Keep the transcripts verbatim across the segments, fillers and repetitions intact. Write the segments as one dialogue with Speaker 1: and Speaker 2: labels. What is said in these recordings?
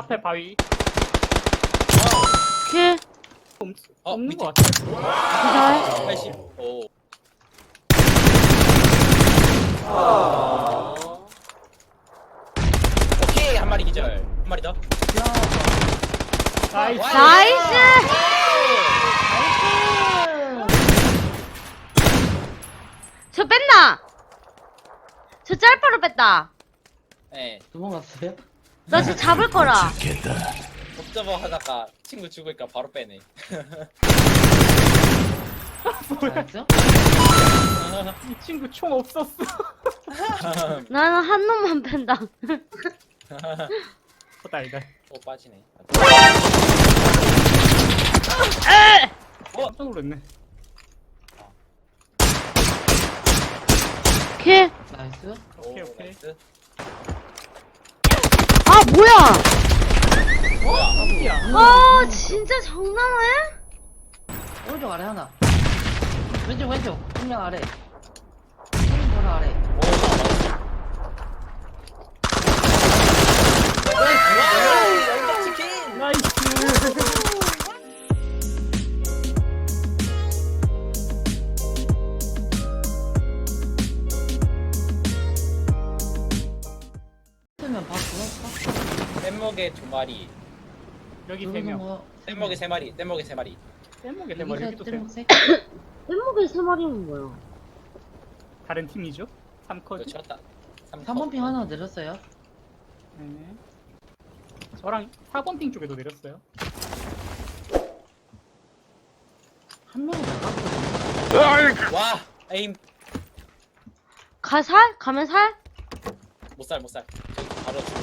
Speaker 1: 앞에 바위.
Speaker 2: 킬.
Speaker 1: 없,
Speaker 3: 어,
Speaker 1: 없는
Speaker 3: 밑에.
Speaker 1: 것 같아.
Speaker 2: 기절.
Speaker 3: 팔십. 오. 오케이, 한 마리 기절. 한 마리 더.
Speaker 1: 나이스.
Speaker 3: 와,
Speaker 2: 나이스! 저 뺐나? 저 짤바로 뺐다.
Speaker 3: 네.
Speaker 4: 도망갔어요?
Speaker 2: 나 저 잡을 거라.
Speaker 3: 옵저버 하다가 친구 죽으니까 바로 빼네.
Speaker 4: 알았죠?
Speaker 1: 이 친구 총 없었어.
Speaker 2: 나는 한 놈만 뺀다.
Speaker 1: 어, 달달.
Speaker 3: 또 빠지네.
Speaker 1: 어, 깜짝 놀랐네.
Speaker 2: 킬.
Speaker 4: 나이스.
Speaker 1: 오케이,
Speaker 3: 오,
Speaker 1: 오케이.
Speaker 3: 나이스.
Speaker 2: 아, 뭐야?
Speaker 3: 뭐야?
Speaker 1: 야,
Speaker 2: 아, 진짜 장난해?
Speaker 4: 오른쪽 아래 하나. 왼쪽 왼쪽. 한명 아래. 한명 바로 아래.
Speaker 3: 오, 나이스. 와, 영광 치킨.
Speaker 1: 나이스.
Speaker 4: 쓰면 봐 죽었어.
Speaker 3: 뗏목에 두 마리.
Speaker 1: 여기 세 명.
Speaker 4: 뭐
Speaker 3: 뗏목에 세 마리. 뗏목에 세 마리.
Speaker 1: 떼목에 세 마리. 여기도 세 명.
Speaker 4: 세.
Speaker 2: 뗏목에 세 마리는 뭐야?
Speaker 1: 다른 팀이죠? 삼 컷.
Speaker 3: 그렇죠. 다. 삼
Speaker 4: 삼 번 핑 하나 내렸어요.
Speaker 1: 네. 저랑 사 번 핑 쪽에도 내렸어요.
Speaker 4: 한 명은 나갔거든.
Speaker 3: 와, 에임.
Speaker 2: 가, 살? 가면 살?
Speaker 3: 못 살, 못 살. 저기 바로 죽어.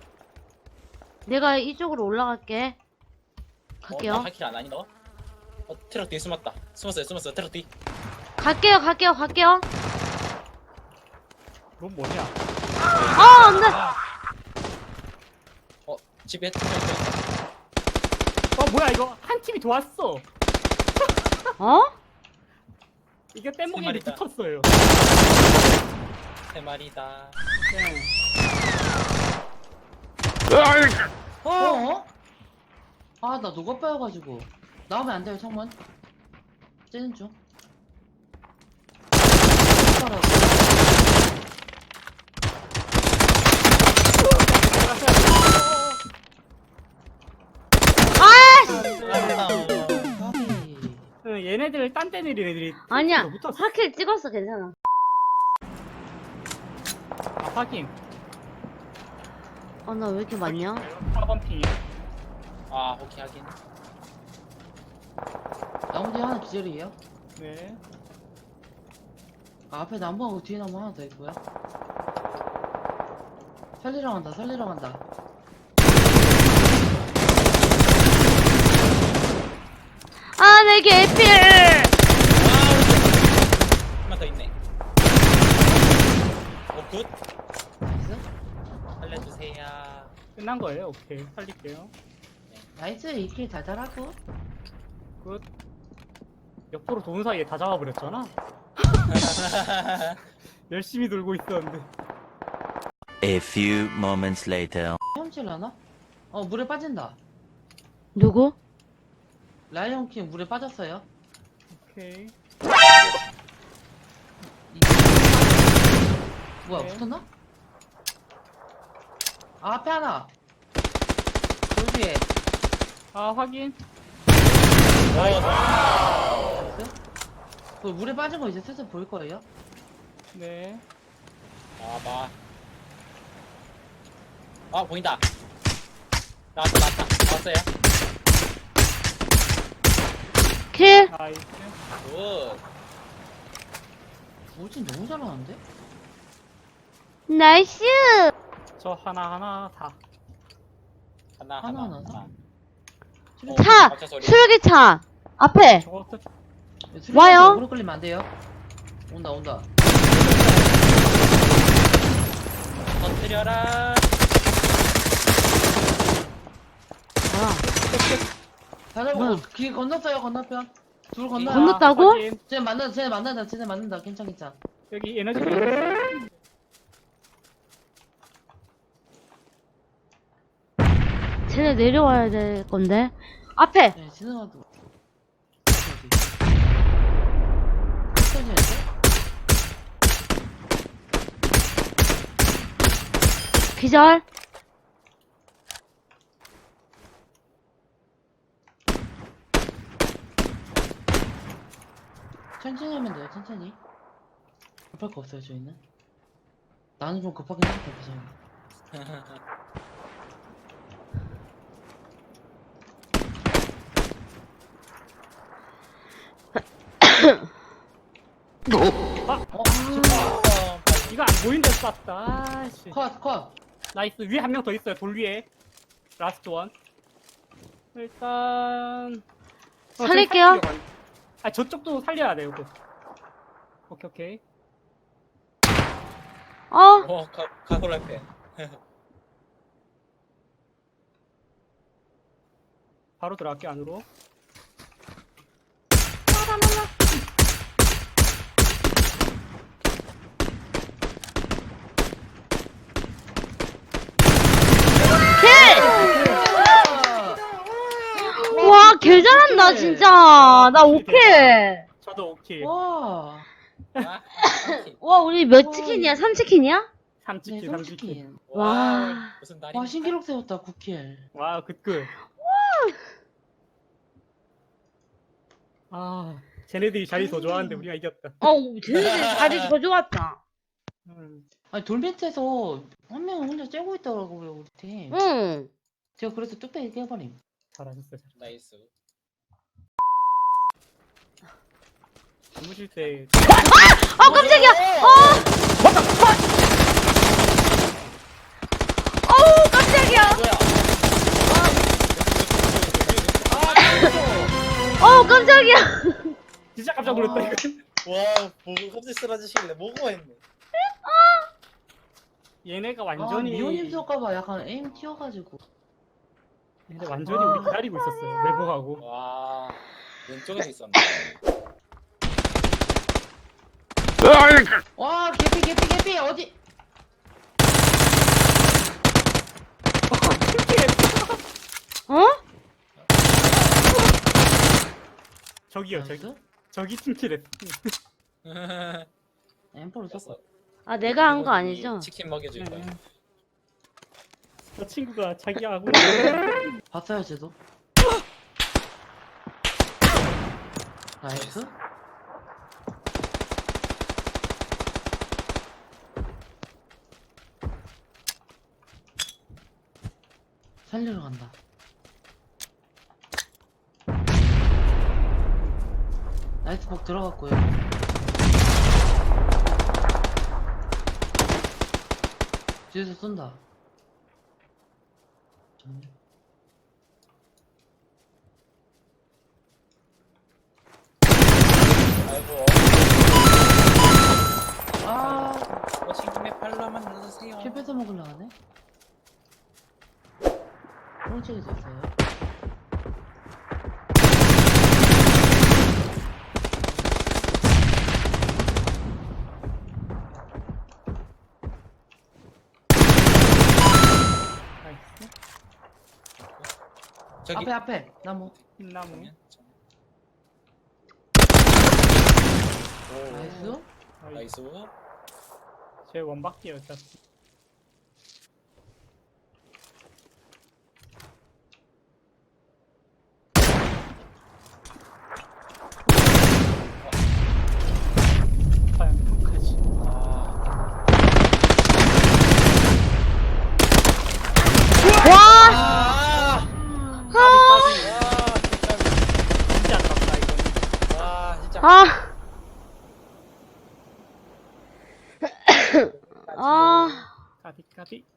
Speaker 2: 내가 이쪽으로 올라갈게.
Speaker 3: 어,
Speaker 2: 갈게요.
Speaker 3: 나 하킬 안 하니 너? 어, 트럭 뒤에 숨었다. 숨었어요, 숨었어요. 트럭 뒤.
Speaker 2: 갈게요, 갈게요, 갈게요.
Speaker 1: 넌 뭐냐?
Speaker 2: 아, 안 돼!
Speaker 3: 어, 집에 트럭 있어.
Speaker 1: 어, 뭐야, 이거 한 팀이 도왔어.
Speaker 2: 어?
Speaker 1: 이게 떼목에
Speaker 3: 세 마리다.
Speaker 1: 붙었어요.
Speaker 3: 세 마리다.
Speaker 1: 네.
Speaker 4: 어? 어? 아, 나 녹아 빠여가지고. 나오면 안 돼요, 창문. 째는 중.
Speaker 2: 아!
Speaker 1: 응, 얘네들 딴 데 내린 애들이
Speaker 2: 아니야.
Speaker 1: 떼목에 붙었어.
Speaker 2: 하킬 찍었어, 괜찮아.
Speaker 1: 아, 확인.
Speaker 2: 아, 나 왜 이렇게 많냐?
Speaker 1: 사 번 핑이요.
Speaker 3: 아, 오케이, 하긴.
Speaker 4: 나무 뒤에 하나 기절이에요.
Speaker 1: 네.
Speaker 4: 아, 앞에 나무하고 뒤에 나무 하나 더 있고요. 살리러 간다, 살리러 간다.
Speaker 2: 아, 내 개필!
Speaker 3: 한 명 더 있네. 오, 굿.
Speaker 4: 나이스?
Speaker 3: 살려주세요.
Speaker 1: 끝난 거예요. 오케이. 살릴게요.
Speaker 4: 나이스, 이 킬 달달하고.
Speaker 1: 끝. 옆으로 도는 사이에 다 잡아버렸잖아. 열심히 돌고 있었는데.
Speaker 5: A few moments later.
Speaker 4: 헤엄칠라나? 어, 물에 빠진다.
Speaker 2: 누구?
Speaker 4: 라이언 킹 물에 빠졌어요.
Speaker 1: 오케이.
Speaker 4: 이- 뭐야,
Speaker 1: 네.
Speaker 4: 붙었나? 아, 앞에 하나. 돌 뒤에.
Speaker 1: 아, 확인.
Speaker 4: 나이스? 그 물에 빠진 거 이제 슬슬 보일 거예요.
Speaker 1: 네.
Speaker 3: 아, 봐. 아, 보인다. 나왔다, 나왔다. 나왔어요.
Speaker 2: 킬?
Speaker 1: 나이스.
Speaker 3: 굿.
Speaker 4: 오진 너무 잘하는데?
Speaker 2: 나이스!
Speaker 1: 저 하나하나 다.
Speaker 3: 하나,
Speaker 4: 하나,
Speaker 3: 하나,
Speaker 4: 하나?
Speaker 3: 하나.
Speaker 4: 수리-
Speaker 2: 차!
Speaker 3: 박차 소리.
Speaker 2: 수류기차! 앞에!
Speaker 1: 저거 또
Speaker 4: 수리한테
Speaker 2: 와요?
Speaker 4: 오래 끌리면 안 돼요. 온다, 온다.
Speaker 3: 터뜨려라.
Speaker 2: 뭐야?
Speaker 4: 다 잡고,
Speaker 2: 뭐야?
Speaker 4: 길 건넜어요, 건너편. 둘 건너요.
Speaker 2: 건넜- 건넜다고?
Speaker 1: 확인.
Speaker 4: 쟤 만난다, 쟤 만난다, 쟤네 만난다. 괜찮, 괜찮.
Speaker 1: 여기 에너지.
Speaker 2: 쟤네 얘네 내려와야 될 건데. 앞에!
Speaker 4: 네, 지나가도. 여기. 천천히 할 때?
Speaker 2: 기절.
Speaker 4: 천천히 하면 돼요, 천천히. 급할 거 없어요, 저희는. 나는 좀 급하긴 한데, 괜찮아요.
Speaker 1: 아!
Speaker 4: 어?
Speaker 3: 어,
Speaker 1: 이거 안 보이는데 쐈다. 아씨.
Speaker 4: 컷, 컷!
Speaker 1: 나이스. 위에 한 명 더 있어요. 돌 위에. 라스트 원. 일단 어, 저기
Speaker 2: 살릴게요.
Speaker 1: 살리려고 하는- 아 저쪽도 살려야 돼요. 그. 오케이 오케이.
Speaker 2: 어?
Speaker 3: 어, 가, 가솔라이팬.
Speaker 1: 바로 들어갈게 안으로.
Speaker 2: 와, 개 잘한다, 진짜. 나 오케이.
Speaker 1: 저도 오케이.
Speaker 4: 와!
Speaker 3: 아,
Speaker 2: 와, 우리 몇
Speaker 4: 와,
Speaker 2: 치킨이야? 삼 치킨이야?
Speaker 1: 삼치킨
Speaker 4: 네,
Speaker 1: 삼치킨.
Speaker 4: 솔직히.
Speaker 2: 와.
Speaker 3: 무슨 날이?
Speaker 4: 와, 신기록 세웠다, 구 킬.
Speaker 1: 와 굿굿. 아 쟤네들이 자리 더 좋아하는데 우리가 이겼다.
Speaker 2: 어, 쟤네들 자리 더 좋았다.
Speaker 1: 음.
Speaker 4: 아니, 돌밑에서 한 명은 혼자 째고 있더라고요, 우리 팀.
Speaker 2: 응.
Speaker 4: 제가 그래서 뚝배기 깨버림.
Speaker 1: 잘하셨어요. 잘.
Speaker 3: 나이스.
Speaker 1: 주무실 때
Speaker 2: 아, 깜짝이야! 어! 어우, 깜짝이야!
Speaker 3: 뭐야?
Speaker 2: 어우, 깜짝이야!
Speaker 1: 진짜 깜짝 놀랐다 이거.
Speaker 3: 와, 보고 갑자기 쓰러지시길래 뭐고 했네.
Speaker 1: 얘네가
Speaker 4: 아,
Speaker 1: 완전히
Speaker 4: 미호님 쏠까봐 약간 에임 튀어가지고.
Speaker 1: 얘네 완전히 우리 기다리고 있었어요. 외국하고.
Speaker 3: 와, 왼쪽에도 있었네.
Speaker 4: 와, 개피, 개피, 개피! 어디?
Speaker 2: 어?
Speaker 1: 저기요 저기.
Speaker 4: 나이스?
Speaker 1: 저기 팀킬했어.
Speaker 4: 엠포를 쏠까?
Speaker 2: 아, 내가 한 거 아니죠?
Speaker 3: 치킨 먹여줄 거야.
Speaker 1: 응. 저 친구가 자기하고
Speaker 4: 봤어요, 쟤도. 나이스? 살리러 간다. 나이스 폭 들어갔고요. 뒤에서 쏜다. 잠깐만요.
Speaker 3: 아이고,
Speaker 4: 아,
Speaker 3: 워싱턴의 팔로만 눌러주세요.
Speaker 4: 킬 뺏어 먹으려 하네? 오른쪽에도 있어요.
Speaker 1: 나이스.
Speaker 3: 저기.
Speaker 4: 앞에, 앞에! 나무.
Speaker 1: 흰나무.
Speaker 3: 그러면 좀-
Speaker 4: 나이스?
Speaker 3: 오,
Speaker 1: 나이스.
Speaker 3: 나이스.
Speaker 1: 제 원박기예요 어차피. 과연 평가지.
Speaker 2: 와!
Speaker 3: 아,
Speaker 1: 까비
Speaker 3: 와,
Speaker 1: 진짜 아깝다 이거는.
Speaker 3: 와, 진짜.
Speaker 2: 아. 아.
Speaker 1: 까비 까비.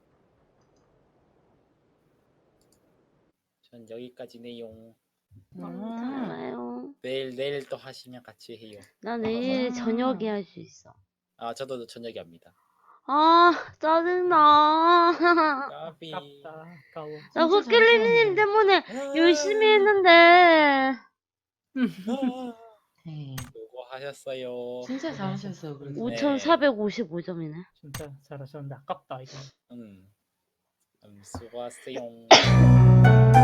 Speaker 3: 전 여기까지네요.
Speaker 2: 괜찮아요.
Speaker 3: 내일 내일 또 하시면 같이 해요.
Speaker 2: 나 내일
Speaker 4: 아.
Speaker 2: 저녁에 할 수 있어.
Speaker 3: 아, 저도 저녁에 합니다.
Speaker 2: 아, 짜증나.
Speaker 3: 까비.
Speaker 1: 아깝다. 아까워.
Speaker 2: 나
Speaker 4: 진짜
Speaker 2: 코끼리님
Speaker 4: 잘하셨는데.
Speaker 2: 때문에
Speaker 3: 아,
Speaker 2: 열심히 했는데.
Speaker 3: 아,
Speaker 4: 네.
Speaker 3: 수고하셨어요.
Speaker 4: 진짜 잘하셨어요, 그래서.
Speaker 3: 오-
Speaker 2: 오천사백오십오 점이네.
Speaker 1: 진짜 잘하셨는데 아깝다 이거.
Speaker 3: 음. 수고하세요.